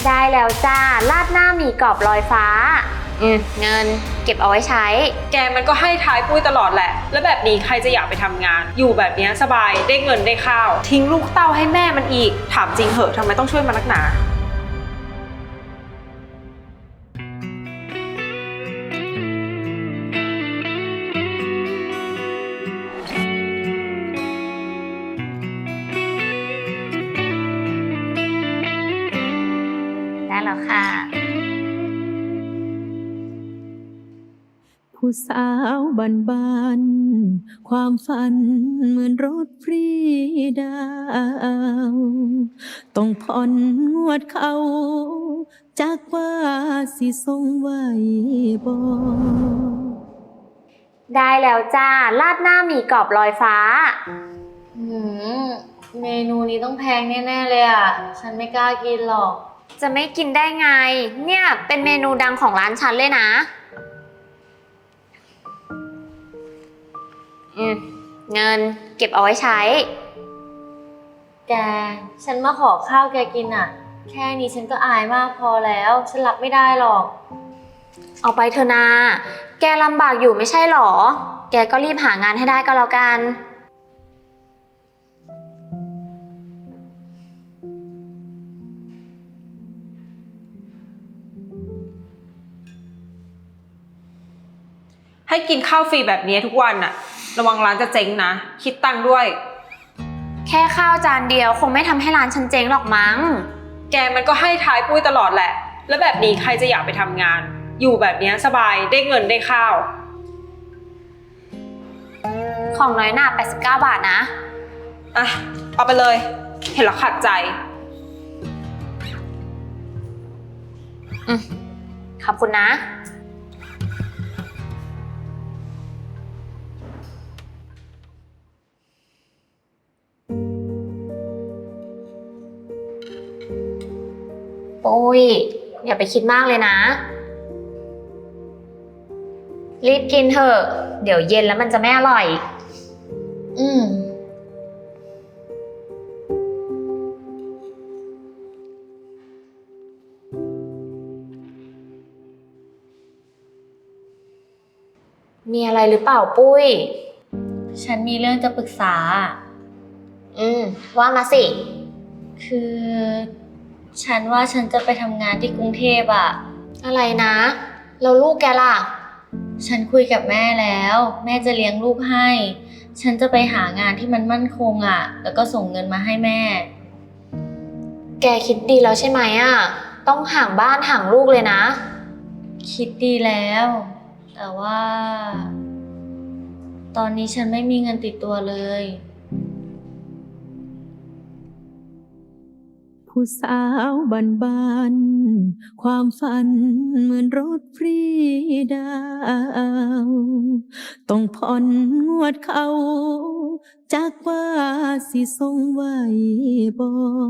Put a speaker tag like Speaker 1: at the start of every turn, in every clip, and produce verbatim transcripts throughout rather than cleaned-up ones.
Speaker 1: ได้แล้วจ้าราดหน้าหมี่กรอบลอยฟ้าอืมเงินเก็บเอาไว้ใช้
Speaker 2: แกมันก็ให้ท้ายปุ้ยตลอดแหละแล้วแบบนี้ใครจะอยากไปทำงานอยู่แบบนี้สบายได้เงินได้ข้าวทิ้งลูกเต้าให้แม่มันอีกถามจริงเหอะทำไมต้องช่วยมันนักหนา
Speaker 1: ได้แล้วค่ะ
Speaker 3: ผู้สาวบันบานความฝันเหมือนรถฟรีดาวต้องผ่อนงวดเขาจากว่าสิทรงไหวบ่
Speaker 1: ได้แล้วจ้าราดหน้าหมี่กรอบลอยฟ้า
Speaker 4: หืมเมนูนี้ต้องแพงแน่ๆเลยอ่ะฉันไม่กล้ากินหรอก
Speaker 1: จะไม่กินได้ไงเนี่ยเป็นเมนูดังของร้านฉันเลยนะอืมเงินเก็บเอาไว้ใช้
Speaker 4: แกฉันมาขอข้าวแกกินอ่ะแค่นี้ฉันก็อายมากพอแล้วฉันรับไม่ได้หรอก
Speaker 1: เอาไปเถอะนาแกลำบากอยู่ไม่ใช่หรอแกก็รีบหางานให้ได้ก็แล้วกัน
Speaker 2: ให้กินข้าวฟรีแบบนี้ทุกวันน่ะระวังร้านจะเจ๊งนะคิดตังค์ด้วย
Speaker 1: แค่ข้าวจานเดียวคงไม่ทำให้ร้านฉันเจ๊งหรอกมั้ง
Speaker 2: แกมันก็ให้ท้ายปุ้ยตลอดแหละแล้วแบบนี้ใครจะอยากไปทำงานอยู่แบบนี้สบายได้เงินได้ข้าว
Speaker 1: ของน้อยหน่าแปดสิบเก้าบาทนะ
Speaker 2: อ่ะเอาไปเลยเห็นแล้วขัดใจ
Speaker 1: อืมขอบคุณนะโอ้ยอย่าไปคิดมากเลยนะรีบกินเถอะเดี๋ยวเย็นแล้วมันจะไม่อร่อย
Speaker 4: อืม
Speaker 1: มีอะไรหรือเปล่าปุ้ย
Speaker 4: ฉันมีเรื่องจะปรึกษา
Speaker 1: อืมว่ามาสิ
Speaker 4: คือฉันว่าฉันจะไปทำงานที่กรุงเทพอะ
Speaker 1: อะไรนะแล้วลูกแกล่ะ
Speaker 4: ฉันคุยกับแม่แล้วแม่จะเลี้ยงลูกให้ฉันจะไปหางานที่มันมั่นคงอะแล้วก็ส่งเงินมาให้แม่
Speaker 1: แกคิดดีแล้วใช่ไหมอะต้องห่างบ้านห่างลูกเลยนะ
Speaker 4: คิดดีแล้วแต่ว่าตอนนี้ฉันไม่มีเงินติดตัวเลย
Speaker 3: ผู้สาวบันบานความฝันเหมือนรถฟรีดาวต้องผ่อนงวดเขาจากว่าสิทรงไหวบ่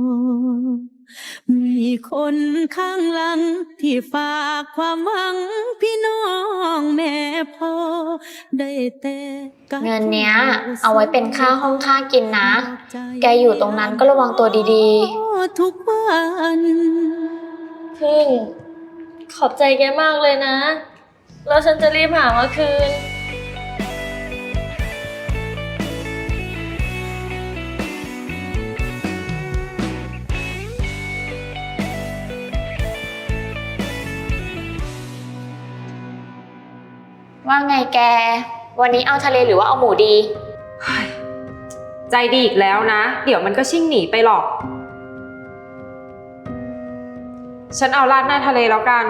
Speaker 3: มีคนข้างหลังที่ฝากความหวังพี่น้องแม่พ่อได้แต่
Speaker 1: เงินเนี้ยเอาไว้เป็นค่าห้องค่ากินนะแกอยู่ตรงนั้นก็ระวังตัวดี
Speaker 3: ๆทุกวัน
Speaker 4: พึ่งขอบใจแกมากเลยนะแล้วฉันจะรีบหามาคืน
Speaker 1: ว่าไงแกวันนี้เอาทะเลหรือว่าเอาหมูดี
Speaker 2: ใจดีอีกแล้วนะเดี๋ยวมันก็ชิ่งหนีไปหรอกฉันเอาราดหน้าทะเลแล้วกัน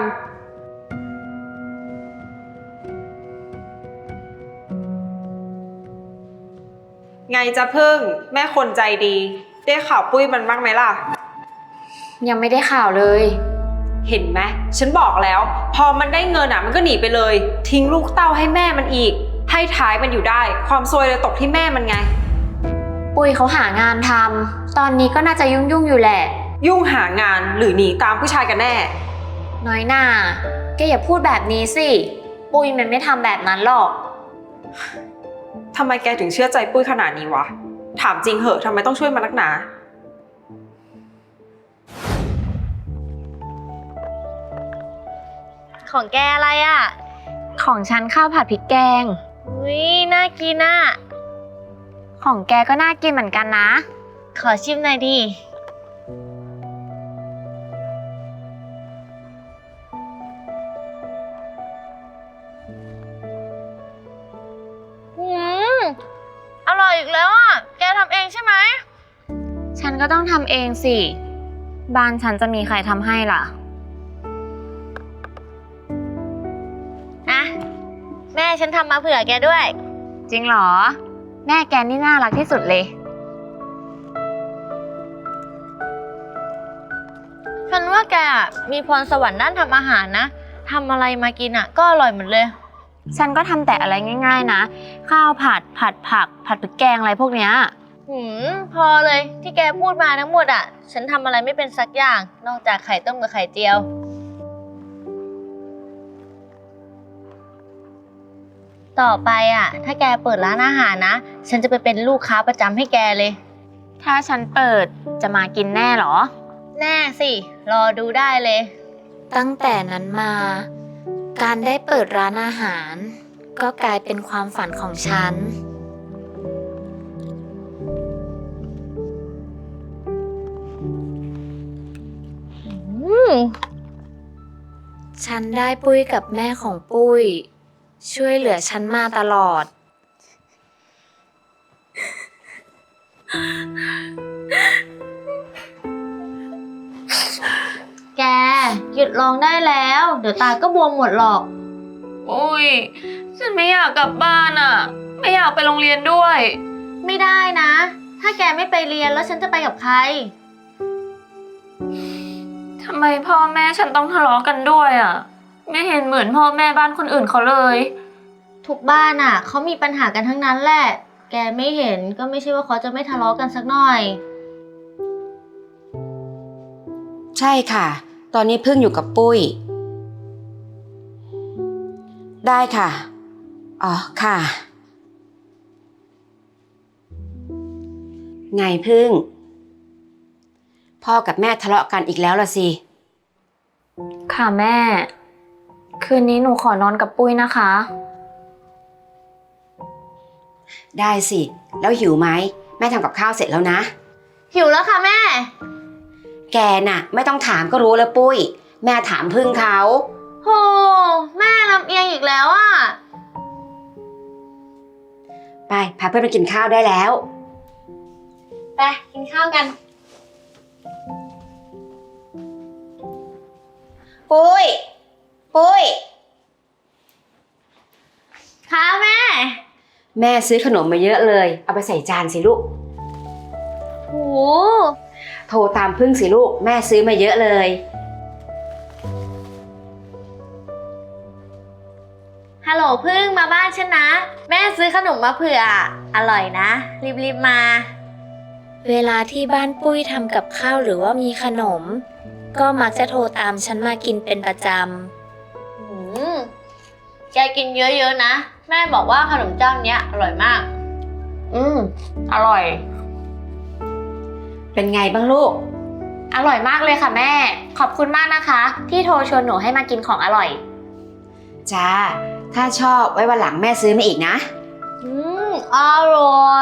Speaker 2: ไงจะพึ่งแม่คนใจดีได้ข่าวปุ้ยมันบ้างไหมล่ะ
Speaker 1: ยังไม่ได้ข่าวเลย
Speaker 2: เห็นไหมฉันบอกแล้วพอมันได้เงินอ่ะมันก็หนีไปเลยทิ้งลูกเต้าให้แม่มันอีกให้ท้ายมันอยู่ได้ความซวยเลยตกที่แม่มันไง
Speaker 1: ปุ้ยเขาหางานทำตอนนี้ก็น่าจะยุ่งยุ่งอยู่แหละ
Speaker 2: ยุ่งหางานหรือหนีตามผู้ชายกันแน่
Speaker 1: น้อยหน่าแกอย่าพูดแบบนี้สิปุ้ยมันไม่ทำแบบนั้นหรอก
Speaker 2: ทำไมแกถึงเชื่อใจปุ้ยขนาดนี้วะถามจริงเหอะทำไมต้องช่วยมันนักหนา
Speaker 4: ของแกอะไรอ่ะ
Speaker 1: ของฉันข้าวผัดพริกแกง
Speaker 4: อุ้ยน่ากินอ่ะ
Speaker 1: ของแกก็น่ากินเหมือนกันนะ
Speaker 4: ขอชิมหน่อยดิหืมอร่อยอีกแล้วอ่ะ แกทำเองใช่ไหม
Speaker 1: ฉันก็ต้องทำเองสิ บ้านฉันจะมีใครทำให้ล่ะ
Speaker 4: อ่ะ แม่ฉันทำมาเผื่อแกด้วย
Speaker 1: จริงเหรอ แม่แกนี่น่ารักที่สุดเลย
Speaker 4: ฉันว่าแกอะมีพรสวรรค์ด้านทำอาหารนะทำอะไรมากินอ่ะ ก็อร่อยหมดเลย
Speaker 1: ฉันก็ทำแต่อะไรง่ายๆนะ ข้าวผัด ผัดผัก ผัดพริกแกงอะไรพวกเนี้ย
Speaker 4: หืม พอเลยที่แกพูดมาทั้งหมดอ่ะ ฉันทำอะไรไม่เป็นสักอย่าง นอกจากไข่ต้มกับไข่เจียว ต่อไปอ่ะ ถ้าแกเปิดร้านอาหารนะ ฉันจะไปเป็นลูกค้าประจำให้แกเลย
Speaker 1: ถ้าฉันเปิดจะมากินแน่เหรอ
Speaker 4: แน่สิ รอดูได้เลย
Speaker 1: ตั้งแต่นั้นมา การได้เปิดร้านอาหาร ก็กลายเป็นความฝันของฉัน
Speaker 4: อืม
Speaker 1: ฉันได้ปุ้ยกับแม่ของปุ้ย ช่วยเหลือฉันมาตลอด
Speaker 4: แก หยุดร้องได้แล้ว เดี๋ยวตาก็บวมหมดหรอก
Speaker 1: อุ้ย ฉันไม่อยากกลับบ้านอ่ะ ไม่อยากไปโรงเรียนด้วย
Speaker 4: ไม่ได้นะ ถ้าแกไม่ไปเรียนแล้วฉันจะไปกับใคร
Speaker 1: ทำไมพ่อแม่ฉันต้องทะเลาะกันด้วยอ่ะ ไม่เห็นเหมือนพ่อแม่บ้านคนอื่นเขาเลย
Speaker 4: ทุกบ้านอ่ะเขามีปัญหากันทั้งนั้นแหละ แกไม่เห็นก็ไม่ใช่ว่าเขาจะไม่ทะเลาะกันสักหน่อย
Speaker 5: ใช่ค่ะ ตอนนี้พึ่งอยู่กับปุ้ย ได้ค่ะ อ๋อ ค่ะ ไงพึ่ง พ่อกับแม่ทะเลาะกันอีกแล้วล่ะสิ
Speaker 1: ค่ะแม่ คืนนี้หนูขอนอนกับปุ้ยนะคะ
Speaker 5: ได้สิ แล้วหิวไหม แม่ทำกับข้าวเสร็จแล้วนะ
Speaker 4: หิวแล้วค่ะแม่
Speaker 5: แกน่ะ ไม่ต้องถามก็รู้แล้วปุ้ย แม่ถามพึ่งเขา
Speaker 4: โห แม่ลำเอียงอีกแล้วอ่ะ
Speaker 5: ไป พาเพื่อนไปกินข้าวได้แล้ว
Speaker 4: ไปกินข้าวกัน
Speaker 5: ปุ้ย ปุ้ย
Speaker 4: ค่ะแม่
Speaker 5: แม่ซื้อขนมมาเยอะเลย เอาไปใส่จานสิลูก
Speaker 4: โห
Speaker 5: โทรตามพึ่งสิลูก แม่ซื้อมาเยอะเลย
Speaker 4: ฮัลโหลพึ่งมาบ้านฉันนะ แม่ซื้อขนมมาเผื่อ อร่อยนะ รีบๆมา
Speaker 1: เวลาที่บ้านปุ้ยทำกับข้าวหรือว่ามีขนม ก็มักจะโทรตามฉันมากินเป็นประจ
Speaker 4: อืม แกกินเยอะๆนะ แม่บอกว่าขนมเจ้าเนี้ยอร่อยมาก
Speaker 1: ำ อืม อร่อย
Speaker 5: เป็นไงบ้างลูก
Speaker 1: อร่อยมากเลยค่ะแม่ ขอบคุณมากนะคะ ที่โทรชวนหนูให้มากินของอร่อย
Speaker 5: จ้า ถ้าชอบไว้วันหลังแม่ซื้อมาอีกนะ
Speaker 4: อืม อร่อย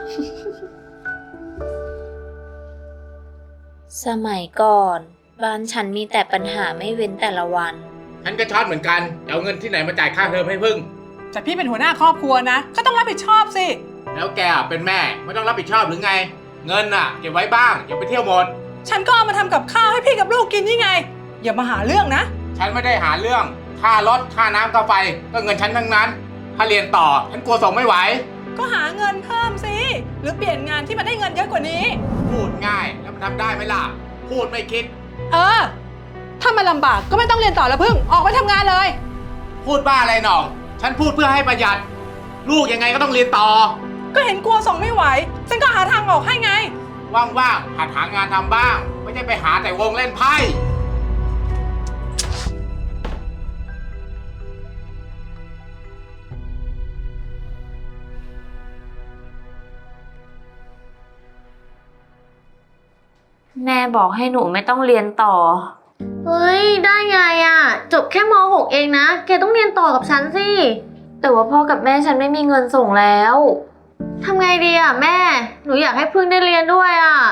Speaker 1: สมัยก่อน บ้านฉันมีแต่ปัญหาไม่เว้นแต่ละวัน
Speaker 6: ฉันก็ช็อตเหมือนกันจะเอาเงินที่ไหนมาจ่ายค่าเทอมให้พึ่ง
Speaker 7: แต่พี่เป็นหัวหน้าครอบครัวนะ ก็ต้องรับผิดชอบสิ
Speaker 6: แล้วแกอ่ะเป็นแม่ไม่ต้องรับผิดชอบหรือไง เงินน่ะเก็บไว้บ้างอย่าไปเที่ยวหมด
Speaker 7: ฉันก็เอามาทำกับข้าวให้พี่กับลูกกินนี่ไง อย่ามาหาเรื่องนะ
Speaker 6: ฉันไม่ได้หาเรื่อง ค่ารถค่าน้ำค่าไฟก็เงินฉันทั้งนั้น ถ้าเรียนต่อฉันกลัวส่งไม่ไหว
Speaker 7: ก็หาเงินเพิ่มสิ หรือเปลี่ยนงานที่มันได้เงินเยอะกว่านี้
Speaker 6: พูดง่ายแล้วมันทำได้ไหมล่ะ พูดไม่คิด
Speaker 7: เออ ถ้ามันลำบากก็ไม่ต้องเรียนต่อแล้วพึ่ง ออกไปทำงานเลย
Speaker 6: พูดบ้าอะไรหน่อง ฉันพูดเพื่อให้ประหยัด ลูกยังไงก็ต้องเรียนต่อ
Speaker 7: ก็เห็นกลัวส่งไม่ไหว ฉันก็หาทางออกให้ไง
Speaker 6: ว่างๆหัดหางานทำบ้าง ไม่ใช่ไปหาแต่วงเล่นไพ่
Speaker 1: แม่บอกให้หนูไม่ต้องเรียนต่อ
Speaker 4: เฮ้ย ได้ไงอ่ะ จบแค่ม หก เองนะ แกต้องเรียนต่อกับฉันสิ แต่ว่าพ่อกับแม่ฉันไม่มีเงินส่งแล้วทำไงดีอ่ะแม่ หนูอยากให้พึ่งได้เรียนด้วยอ่ะ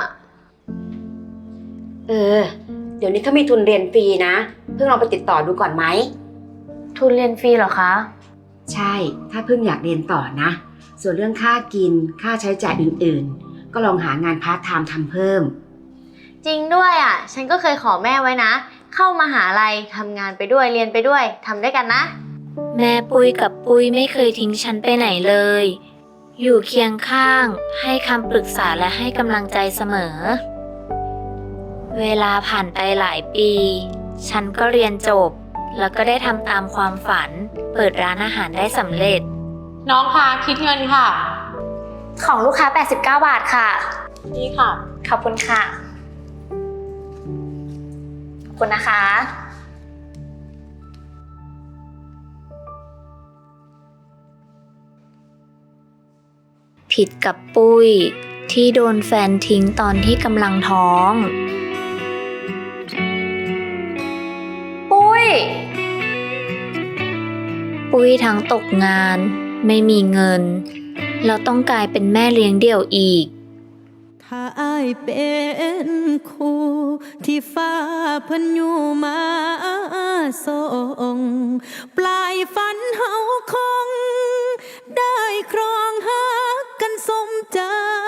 Speaker 5: เออ เดี๋ยวนี้เขามีทุนเรียนฟรีนะ เพิ่งลองไปติดต่อดูก่อนไหม
Speaker 4: ทุนเรียนฟรีเหรอคะ
Speaker 5: ใช่ ถ้าเพิ่งอยากเรียนต่อนะ ส่วนเรื่องค่ากิน ค่าใช้จ่ายอื่นๆ ก็ลองหางานพาร์ทไทม์ทำเพิ่ม
Speaker 4: จริงด้วยอ่ะ ฉันก็เคยขอแม่ไว้นะ เข้ามหาลัยทำงานไปด้วยเรียนไปด้วยทำด้วยกันนะ
Speaker 1: แม่ปุ้ยกับปุ้ยไม่เคยทิ้งฉันไปไหนเลย อยู่เคียงข้าง ให้คำปรึกษาและให้กำลังใจเสมอ เวลาผ่านไปหลายปี ฉันก็เรียนจบ แล้วก็ได้ทำตามความฝัน เปิดร้านอาหารได้สำเร็จ
Speaker 7: น้องคะคิดเงินค่ะ
Speaker 1: ของลูกค้า แปดสิบเก้า บาทค่ะ
Speaker 7: นี่ค่ะ
Speaker 1: ขอบคุณค่ะ ขอบคุณนะคะ ผิดกับปุ้ยที่โดนแฟนทิ้งตอนที่กำลังท้อง
Speaker 4: ปุ้ย
Speaker 1: ปุ้ยทั้งตกงานไม่มีเงิน แล้วต้องกลายเป็นแม่เลี้ยงเดี่ยวอีก
Speaker 3: ถ้าอ้ายเป็นคู่ที่ฟ้าเพิ่นอยู่มาส่งปลายฝันเฮาคง ได้ครองหักกันสมใจ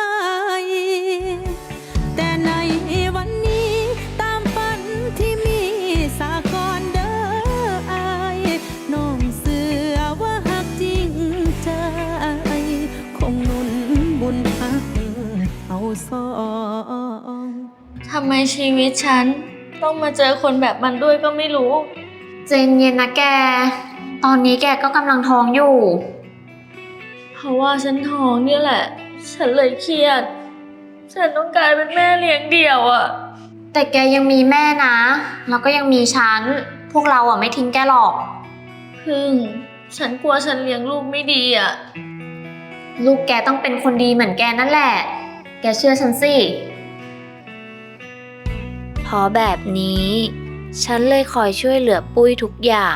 Speaker 3: แต่ในวันนี้ตามฝันที่มีสากลเด้ออายน้องเสือว่าหักจริงใจคงหนุนบุญหักเอาสอง
Speaker 4: ทำไมชีวิตฉันต้องมาเจอคนแบบมันด้วยก็ไม่รู้
Speaker 1: เจนเย็นนะแก ตอนนี้แกก็กำลังท้องอยู่
Speaker 4: เพราะว่าฉันท้องเนี่ยแหละ ฉันเลยเครียด ฉันต้องกลายเป็นแม่เลี้ยงเดี่ยวอะ
Speaker 1: แต่แกยังมีแม่นะ แล้วก็ยังมีฉัน พวกเราอ่ะไม่ทิ้งแกหรอก
Speaker 4: พึ่ง ฉันกลัวฉันเลี้ยงลูกไม่ดีอะ
Speaker 1: ลูกแกต้องเป็นคนดีเหมือนแกนั่นแหละ แกเชื่อฉันสิ เพราะแบบนี้ ฉันเลยคอยช่วยเหลือปุ้ยทุกอย่าง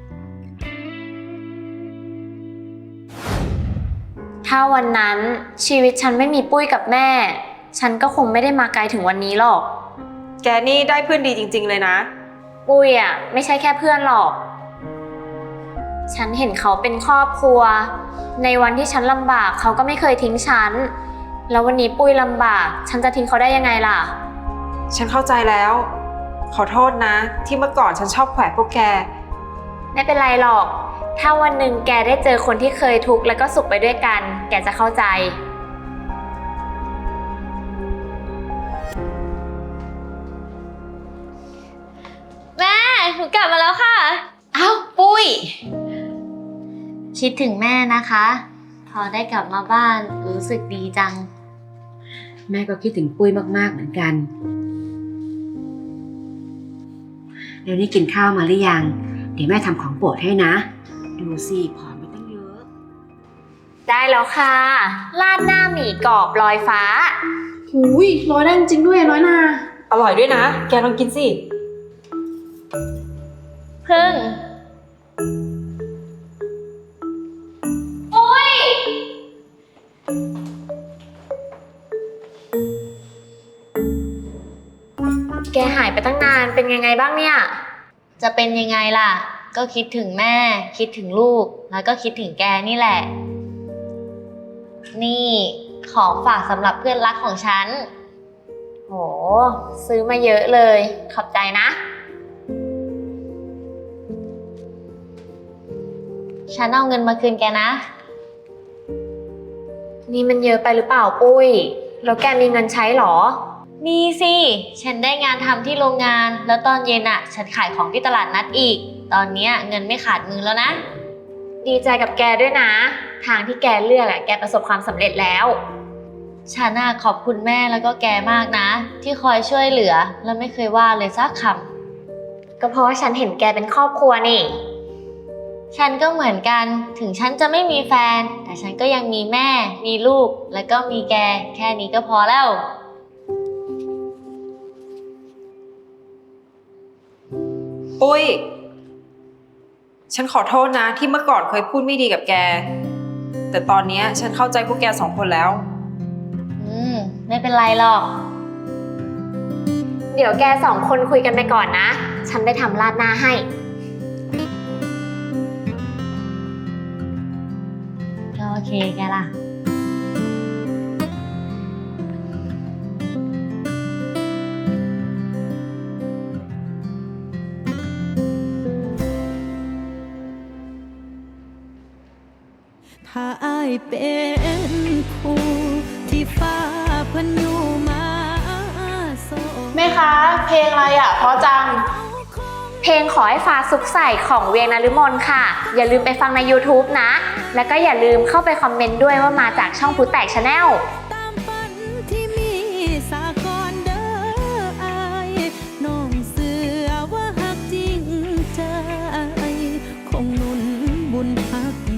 Speaker 1: ถ้าวันนั้นชีวิตฉันไม่มีปุ้ยกับแม่ ฉันก็คงไม่ได้มาไกลถึงวันนี้หรอก
Speaker 2: แกนี่ได้เพื่อนดีจริงๆเลยนะ
Speaker 1: ปุ้ยอ่ะไม่ใช่แค่เพื่อนหรอก ฉันเห็นเขาเป็นครอบครัว ในวันที่ฉันลำบากเขาก็ไม่เคยทิ้งฉัน แล้ววันนี้ปุ้ยลำบาก ฉันจะทิ้งเขาได้ยังไงล่ะ
Speaker 2: ฉันเข้าใจแล้ว ขอโทษนะ ที่เมื่อก่อนฉันชอบแขวะพวกแก
Speaker 1: ไม่เป็นไรหรอก ถ้าวันหนึ่งแกได้เจอคนที่เคยทุกข์แล้วก็สุขไปด้วยกัน แกจะเข้าใจ
Speaker 4: แม่หนูกลับมาแล้วค่ะ
Speaker 5: อ้าวปุ้ย
Speaker 4: คิดถึงแม่นะคะ พอได้กลับมาบ้านรู้สึกดีจัง
Speaker 5: แม่ก็คิดถึงปุ้ยมากๆเหมือนกัน เดี๋ยวนี้กินข้าวมาหรือยัง เดี๋ยวแม่ทำของโปรดให้นะ ดูสิผอมไปตั้งเยอะ
Speaker 1: ได้แล้วค่ะราดหน้าหมี่กรอบลอยฟ้า
Speaker 7: หูยร้อยได้จริงด้วยน้อยนา
Speaker 2: อร่อยด้วยนะ แกลองกินสิ
Speaker 4: พึ่ง
Speaker 1: แกหายไปตั้งนานเป็นยังไงบ้างเนี่ย
Speaker 4: จะเป็นยังไงล่ะ ก็คิดถึงแม่ คิดถึงลูก แล้วก็คิดถึงแกนี่แหละ นี่ของฝากสำหรับเพื่อนรักของฉัน
Speaker 1: โห ซื้อมาเยอะเลย ขอบใจนะ
Speaker 4: ฉันเอาเงินมาคืนแกนะ
Speaker 1: นี่มันเยอะไปหรือเปล่าปุ้ย แล้วแกมีเงินใช้หรอ
Speaker 4: มีสิ ฉันได้งานทำที่โรงงาน แล้วตอนเย็นอ่ะ ฉันขายของที่ตลาดนัดอีก ตอนเนี้ยเงินไม่ขาดมือแล้วนะ
Speaker 1: ดีใจกับแกด้วยนะ ทางที่แกเลือกอะแกประสบความสำเร็จแล้ว
Speaker 4: ฉันน่ะขอบคุณแม่แล้วก็แกมากนะ ที่คอยช่วยเหลือ แล้วไม่เคยว่าเลยสักคำ
Speaker 1: ก็เพราะว่าฉันเห็นแกเป็นครอบครัวนี่
Speaker 4: ฉันก็เหมือนกัน ถึงฉันจะไม่มีแฟน แต่ฉันก็ยังมีแม่ มีลูก แล้วก็มีแก แค่นี้ก็พอแล้ว
Speaker 2: ปุ้ยฉันขอโทษนะที่เมื่อก่อนเคยพูดไม่ดีกับแก แต่ตอนเนี้ยฉันเข้าใจพวกแกสองคนแล้ว
Speaker 4: อืม ไม่เป็นไรหรอก เดี๋ยวแกสองคนคุยกันไปก่อนนะ ฉันไปทำราดหน้าให้ ก็โอเคแกล่ะ
Speaker 3: ถ้าอายเป็นคู่ที่ฟ้าเพิ่นอยู่มาโซ
Speaker 8: แม่คะเพลงอะไรอ่ะเพราะจัง
Speaker 4: เพลงขอให้ฟ้าซุกใส่ของเวียงนฤมลค่ะ อย่าลืมไปฟังใน YouTube นะ แล้วก็อย่าลืมเข้าไปคอมเมนต์ด้วยว่ามาจากช่องผู้แตกชาแนล
Speaker 3: ตามฝันที่มีสากลเด้ออายน้องเสือว่าหักจริงใจคงหนุนบุญพัก